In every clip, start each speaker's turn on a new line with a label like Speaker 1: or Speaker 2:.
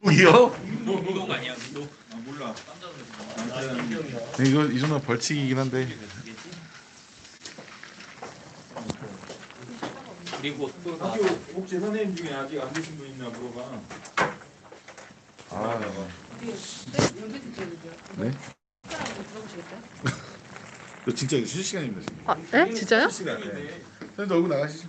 Speaker 1: 이요?
Speaker 2: 운동 아니야 운동?
Speaker 3: 아 몰라.
Speaker 1: 네, 이거 이 정도면 벌칙이긴 한데.
Speaker 2: 그리고 또
Speaker 3: 학교 혹시 선생님 중에 아직 안 되신 분 있나 물어봐.
Speaker 1: 아, 네? 저 진짜 이거 실시간입니다 지금.
Speaker 4: 아, 네? 진짜요?
Speaker 1: 실시간. 네. 선생님 얼굴 나가시죠.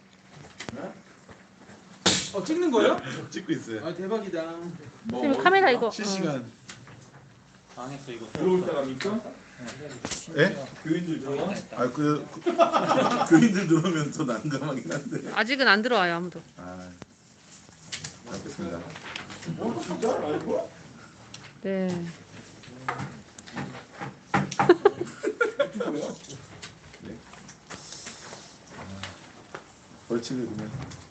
Speaker 3: 찍는 거예요?
Speaker 1: 찍고 있어요.
Speaker 3: 아 대박이다.
Speaker 4: 지금 카메라 이거
Speaker 1: 실시간.
Speaker 2: 당했어 이거.
Speaker 3: 들어올 사람입니까?
Speaker 1: 예?
Speaker 3: 교인들 들어와?
Speaker 1: 그 교인들 들어오면 더 난감하긴 한데.
Speaker 4: 아직은 안 들어와요 아무도.
Speaker 1: 아, 알겠습니다.
Speaker 3: 진짜? 알고?
Speaker 4: 네.
Speaker 1: 네. 벌칙을 그냥.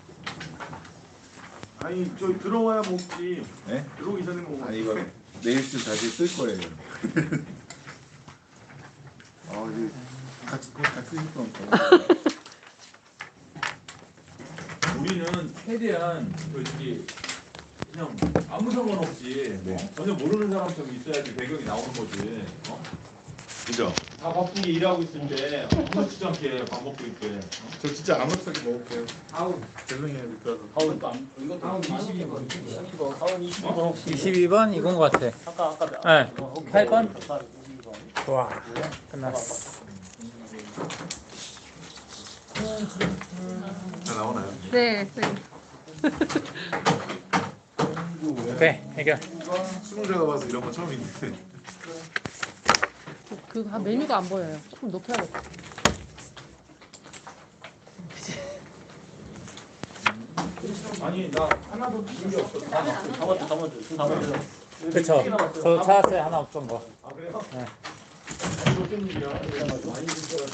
Speaker 3: 아니 저 들어와야 먹지.
Speaker 1: 네?
Speaker 3: 들어오기 전에 먹어.
Speaker 1: 아니 이거 내일쯤 다시 쓸 거예요. 아 이제 같이 했던 거.
Speaker 3: 우리는 최대한 솔직히 그냥 아무 상관없이
Speaker 1: 네.
Speaker 3: 전혀 모르는 사람처럼 있어야지 배경이 나오는 거지.
Speaker 1: 그죠?
Speaker 3: 다 바쁘게 일하고 있을 때 아무렇지도 않게 밥 먹고 있대.
Speaker 1: 저 진짜 아무렇게 먹을게요.
Speaker 3: 아우
Speaker 1: 죄송해요 미끄러서.
Speaker 3: 다음 22번.
Speaker 2: 22번 이건 것 같아. 네. 8번. 좋아. 끝났어.
Speaker 1: 다 나오나요?
Speaker 4: 네. 네.
Speaker 2: 오케이 해결.
Speaker 1: 수능자가 봐서 이런 거 처음인데.
Speaker 4: 그 메뉴가 안 보여요. 좀 높여야겠다.
Speaker 3: 아니 나 하나도 들은 게 없어. 다 맞죠.
Speaker 2: 그쵸. 저 찾았어요 하나 없던 거.
Speaker 3: 아 그래요?
Speaker 2: 네.
Speaker 3: 어떤 일이야? 많이 들줄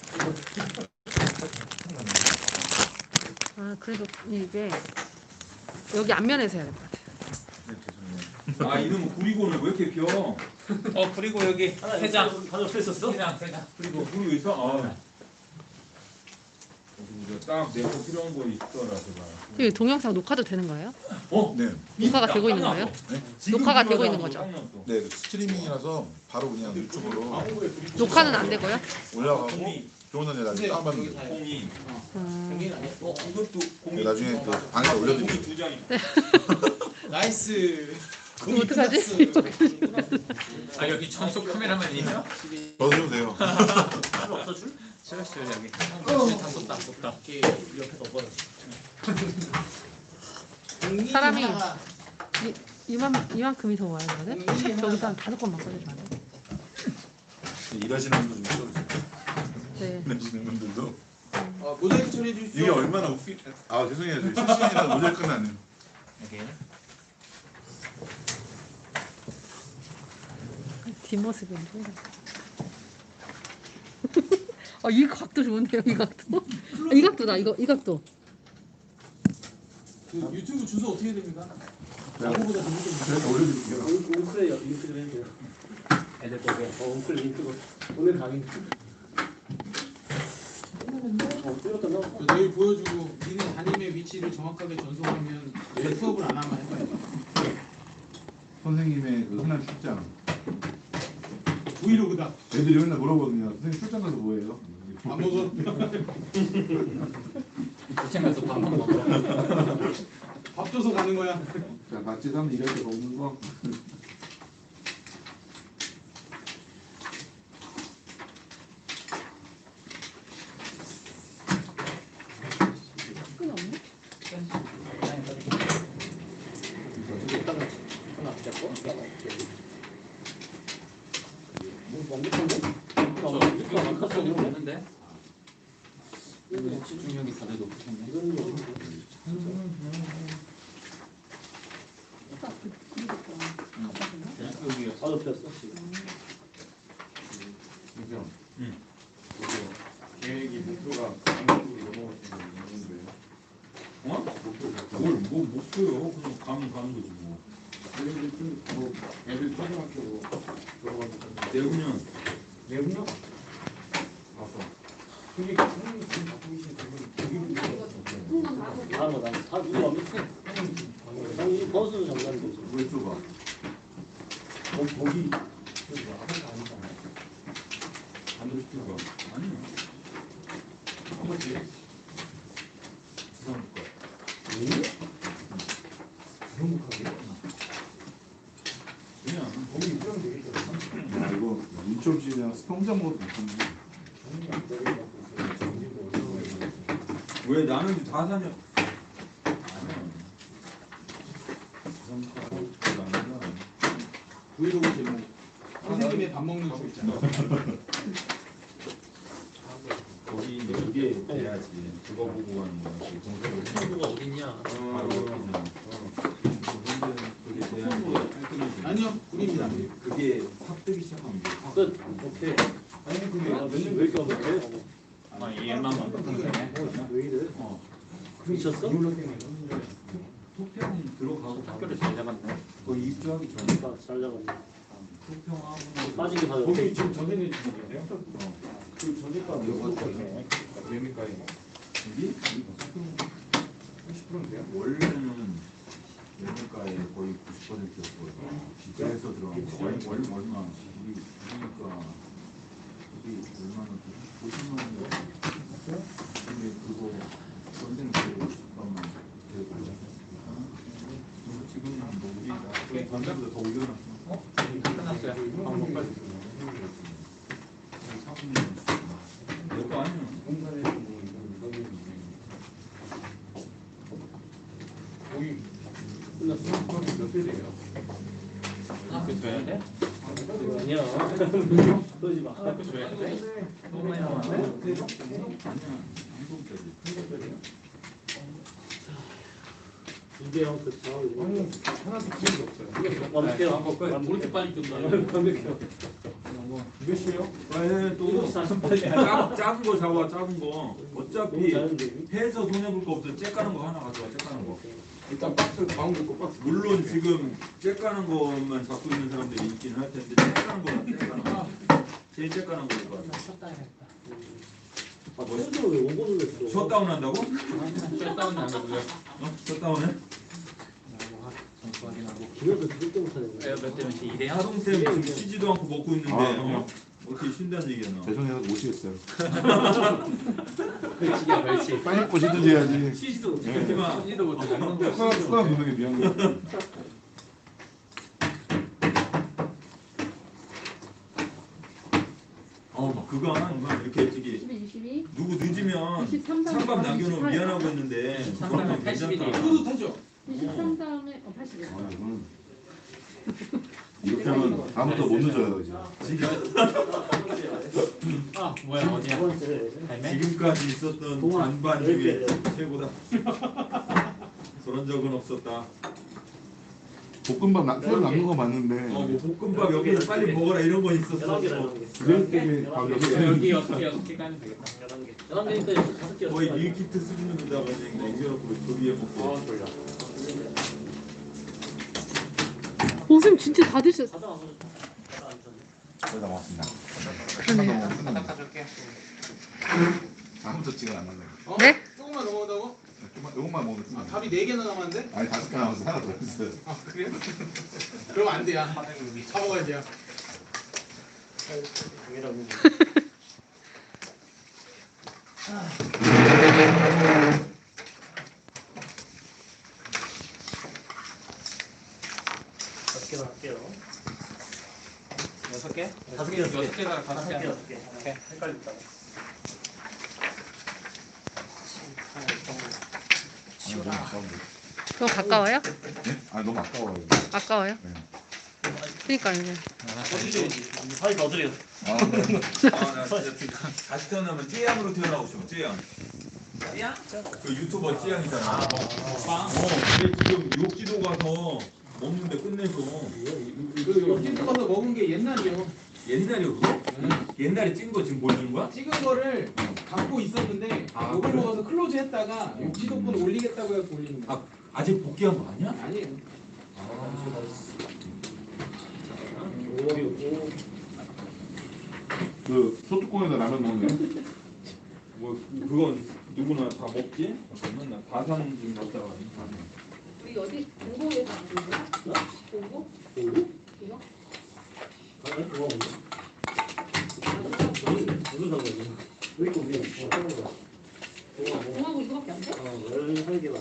Speaker 4: 아 그래도 이게 여기 앞면에서 해야 될 것 같아요.
Speaker 1: 네 죄송해요.
Speaker 3: 아 이놈의 구리고는 왜 이렇게 비어?
Speaker 2: 그리고 여기 회장.
Speaker 3: 하나 없었어?
Speaker 2: 회장.
Speaker 3: 그리고 구리고 있어? 아. 딱내거 필요한 거 있더라 제가.
Speaker 4: 이 동영상 녹화도 되는 거예요?
Speaker 1: 네.
Speaker 4: 녹화가 되고 있는 거예요? 녹화가 되고 있는 거죠?
Speaker 1: 네, 그 스트리밍이라서 바로 그냥 유튜브로
Speaker 4: 녹화는 안 되고요?
Speaker 1: 올라가고 좋은 날 나중에 다운받으면 돼요.
Speaker 3: 공이.
Speaker 1: 네,
Speaker 3: 이것도 공이.
Speaker 1: 나중에 그 방에 올려드릴게요.
Speaker 3: 공이 2장.
Speaker 5: 나이스.
Speaker 4: 그럼 어떡하지?
Speaker 2: 아 여기 전속 카메라만 있나?
Speaker 1: 넣어주면 돼요.
Speaker 2: 싫었어요 여기. 다
Speaker 4: 사람이 이만큼이 더 와야 되거든? 저기서 한 5건만 써주면 안 돼?
Speaker 1: 일하시는 분들 좀 써주세요.
Speaker 4: 네.
Speaker 1: 일하시는 분들도
Speaker 5: 모자이크 처리해 주십시오.
Speaker 1: 이게 얼마나 웃기. 아 죄송해요. 저희 실시간이라 모자이크는 안 해요.
Speaker 2: 여기.
Speaker 4: 뒷모습인데. 이 각도 좋은데요, 이 각도? 이 각도다, 이 각도.
Speaker 5: 그 유튜브 주소 어떻게 됩니까?
Speaker 1: 제가 올려드릴게요.
Speaker 6: 웅크래요. 링크 좀 해주세요. 애들 거기에 웅클 링크 오늘 강의. 뚫렸다 너.
Speaker 5: 내일 보여주고 니네 담임의 위치를 정확하게 전송하면 내일 수업을 안 하면 해봐요.
Speaker 1: 선생님의 그 흔한 출장.
Speaker 5: 브이로그다.
Speaker 1: 애들이 맨날 물어보거든요. 선생님 출장 가서 뭐해요?
Speaker 5: 안 먹어.
Speaker 2: 부천에서 밥 먹어.
Speaker 5: 밥 줘서 가는 거야.
Speaker 1: 자, 같이 사면 일할 데가 없는 거.
Speaker 4: 끈이 없네?
Speaker 6: 하나 잡고. 완벽한데?
Speaker 2: 없는데? 집중력이 다들 높으셨네.
Speaker 6: 여기 바로 폈어 지금.
Speaker 1: 그죠?
Speaker 2: 응.
Speaker 1: 계획이 목표가 강릉으로 넘어가시는 건데요.
Speaker 3: 어? 뭘뭐 목표요? 그냥 가는 거지 뭐.
Speaker 1: 뭐 애들 초등학교 들어가서
Speaker 3: 내후년.
Speaker 1: 내후년 가서 그게 선생님 지금 갖고 계신 그분
Speaker 6: 다 누구 안 믿지? 아니 버스 정리하는 거지.
Speaker 1: 왜 좁아?
Speaker 6: 거기 아무것도 아니잖아. 안으로 뛰고
Speaker 1: 아니.
Speaker 6: 한 번씩
Speaker 1: 부산 거.
Speaker 6: 부정국하게
Speaker 1: 그냥
Speaker 6: 거기 입장 되겠잖아.
Speaker 1: 야 이거 인천시 그냥 스팸 먹어도 괜찮네. 왜 나는 다 사냐? 아니야. 부산 거 아니야.
Speaker 5: 브이로그 제목 선생님의 밥 먹는 거 있잖아.
Speaker 1: 거기 이제 그게 돼야지. 그거 보고 하는 거야.
Speaker 2: 친구가 어딨냐?
Speaker 1: 바로 그냥. 그게 돼야지. 깔끔해지지.
Speaker 5: 아니요, 꿀입니다.
Speaker 1: 그게 확 뜨기 시작하면 돼. 확.
Speaker 2: 끝. 오케이.
Speaker 6: 아니 근데 왜 이렇게 어떡해?
Speaker 2: 아, 얘만 만났네.
Speaker 6: 왜 이래?
Speaker 2: 미쳤어?
Speaker 1: 토평 들어가고
Speaker 2: 학교를 잘 잡았네.
Speaker 1: 거의 입주하기 전에
Speaker 2: 잘 잡았네.
Speaker 1: 토평하고
Speaker 2: 빠지게 다
Speaker 6: 거기 지금 전세계 주는데요?
Speaker 1: 어.
Speaker 6: 그 전세가 몇 %거든요? 매매가에
Speaker 1: 이게
Speaker 6: 30%인데요?
Speaker 1: 원래는 매물가의 거의 90%였고요. 그래서 들어간 거. 얼마? 우리 그러니까 우리 얼마나 50만 원. 근데 그거 전생 그 잠깐만 되고. 지금은 뭐 우리 전생보다 더 올려놨어.
Speaker 2: 끝났어요. 방법 빨리.
Speaker 1: 내거 아니야.
Speaker 6: 공사에서 뭐 이런 거기 끝났어? 거기 몇대 돼요?
Speaker 2: 학교 줘야 돼? 아니야. 그러지 마. 학교 줘야 돼? 너무 많이 나왔네.
Speaker 1: 아니야. 한국까지.
Speaker 2: 이대형 그 좌우.
Speaker 6: 아니 하나도 기억이 없어요.
Speaker 2: 완벽해요. 이렇게 빨리 뜬다. 완벽해요.
Speaker 6: 몇 시에요?
Speaker 1: 아, 또
Speaker 2: 48.
Speaker 1: 작은 거 잡아. 작은 거.
Speaker 2: 너무
Speaker 1: 어차피
Speaker 2: 잘하는데.
Speaker 1: 해서 손해 볼 거 없어. 째까는 거 하나 가져와. 째까는 거.
Speaker 6: 일단 박스 가운데 거 박스.
Speaker 1: 물론 지금 째까는 것만 갖고 있는 사람들이 있긴 할 텐데 째까는 거만 째까는 거. 제일 째까는 거일 것 같아.
Speaker 2: 아, 팬들은 왜 원본을 냈어?
Speaker 1: 셧다운 한다고?
Speaker 2: 셧다운이 안 하고요.
Speaker 1: 셧다운해?
Speaker 2: 기억을 그렇게 못하는 거야. 몇 대면 2대
Speaker 1: 하동쌤 지금 쉬지도 않고 먹고 있는데
Speaker 7: 아,
Speaker 1: 어떻게 쉰다는 얘기야 너.
Speaker 7: 죄송해요 오시겠어요.
Speaker 2: 벌칙이야, 벌칙.
Speaker 7: 빨리 보시든지 해야지.
Speaker 2: 쉬지도
Speaker 7: 예.
Speaker 2: 못하지만 쉬지도 못해.
Speaker 7: 숟가락 넣는 게 미안 거.
Speaker 1: 막 그거 하나 이렇게 저기
Speaker 4: 22, 22,
Speaker 1: 누구 늦으면
Speaker 4: 23
Speaker 1: 찬밥
Speaker 4: 다음에
Speaker 1: 남겨놓으면
Speaker 4: 28.
Speaker 1: 미안하고 했는데
Speaker 2: 23
Speaker 1: 그거는
Speaker 2: 다음에 81 이에요.
Speaker 1: 괜찮다.
Speaker 5: 뿌듯하죠?
Speaker 4: 23 다음에 81.
Speaker 7: 아, 이거는 이렇게 하면 다음부터 못 늦어요 이제.
Speaker 2: 아, 뭐야, 어디야? 할매?
Speaker 1: 지금까지 있었던 반반 중에 최고다. 그런 적은 없었다.
Speaker 7: 볶음밥 새로 남는 거 맞는데
Speaker 1: 뭐 볶음밥 여기서 빨리 먹어라 이런 거 있었어.
Speaker 7: 그런 때문에 밥
Speaker 2: 여기 6개 까면 되겠다. 11개. 11개니까 5개.
Speaker 1: 거의 밀키트 수준으로다가 그냥 남겨놓고 그 위에 먹고.
Speaker 2: 졸려.
Speaker 4: 오, 쌤 진짜 다 드셨어.
Speaker 7: 거의 다 먹었습니다.
Speaker 4: 그러네요.
Speaker 7: 다음부터 찍어 안 나네.
Speaker 4: 네?
Speaker 5: 조금만 더 먹는다고?
Speaker 7: 이것만 먹으면 끝나.
Speaker 5: 밥이 4개나 남았는데?
Speaker 7: 아니 5개 남았어 하나 더 있어요.
Speaker 5: 아, 그래요? 그럼 안 돼요. 사 먹어야 돼요.
Speaker 2: 할게요. 6개? 5개, 6개가 5개. 오케이. 헷갈린다.
Speaker 4: 너무 가까워요?
Speaker 7: 네? 아 너무 아까워요.
Speaker 4: 아까워요?
Speaker 7: 네.
Speaker 4: 그러니까요.
Speaker 2: 빨리 더 드려.
Speaker 7: 아, 네.
Speaker 1: 나 진짜 다시 태어나면 찌양으로 태어나고 싶어. 찌양. 찌양? 그 유튜버 찌양이잖아. 근데 지금 욕지도 가서 먹는데 끝내서
Speaker 5: 그 옆집 가서 먹은 게 옛날이요.
Speaker 1: 옛날이었어? 옛날에 찐 거 지금 보여주는 거야?
Speaker 5: 찍은 거를 갖고 있었는데
Speaker 1: 아,
Speaker 5: 이걸
Speaker 1: 그래?
Speaker 5: 먹어서 클로즈 했다가 욕지도권 올리겠다고 해서 올리는 거.
Speaker 1: 아직 복귀한 거 아니야?
Speaker 5: 아니에요.
Speaker 7: 그 소뚜껑에다 라면 먹네.
Speaker 1: 뭐 그건 누구나 다 먹지? 잠깐만 나 다산 지금 갔다가
Speaker 4: 우리 어디 공고에서 안 보이나? 공고?
Speaker 6: 공부?
Speaker 4: 이거?
Speaker 6: 아니 그거 없네. 무슨 상관이야? 왜 이거 위에 하는 거야? 공하고
Speaker 4: 공하고 이거밖에 안 돼?
Speaker 6: 열한 개만.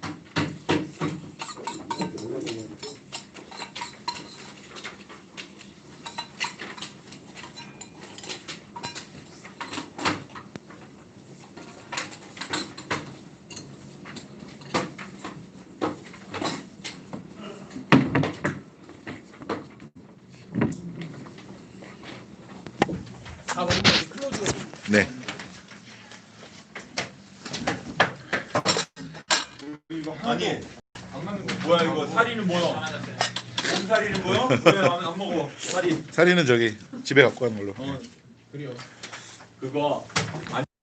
Speaker 1: 다 먹으면 이제 클로즈가
Speaker 7: 네.
Speaker 1: 아니 뭐야 이거 사리는 뭐야? 몸살이는 뭐야? 왜안 먹어? 사리
Speaker 7: 사리는 저기 집에 갖고 가는 걸로.
Speaker 5: 그래요.
Speaker 1: 그거 안